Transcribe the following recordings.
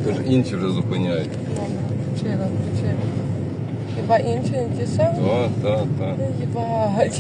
Тож інші вже зупиняють. Причина. Хіба інші не ті самі? Так. Їбать.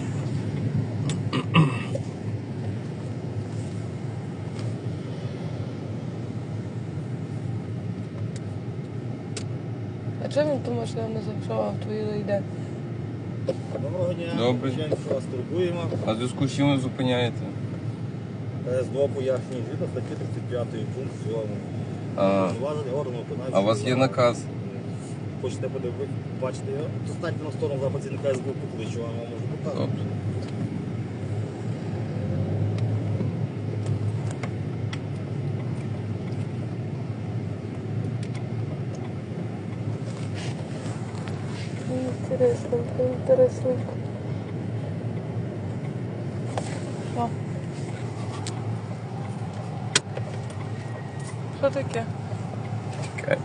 А чому він ту машину не зафіксував, твою йде? Доброго дня. Добре. Звичайно, що вас турбуємо. А в зв'язку з чим ви зупиняєте? СДО пояснює згідно статті 35 пункт 7. А, Зважені органи виконавчої а у вас є влади. наказ? Хочете подивитися, бачите його? Достаньте на сторону за працівника СБУ, покличу, вам можу показати. Добре. Інтересно. Що? Що таке? Чекай.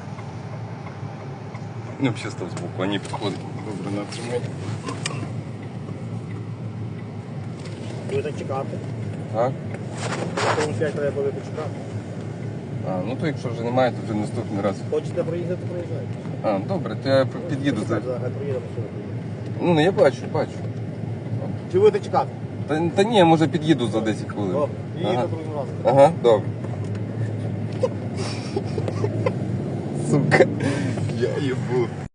Ну, взагалі став збоку, а не підходить. Добре, натримай. Будете чекати. Так? Тому 5 треба буде почекати. А, ну то якщо вже немає, то вже наступний раз. Хочете проїхати, проїжджайте. А, добре, то я під'їду за. Хай проїдемо сюди. Ну, я бачу. Чи будете чекати? Та ні, може під'їду за 10 хвилин. Добре, їдете Ага. другим разом. Ага, добре. Сука, я їбу.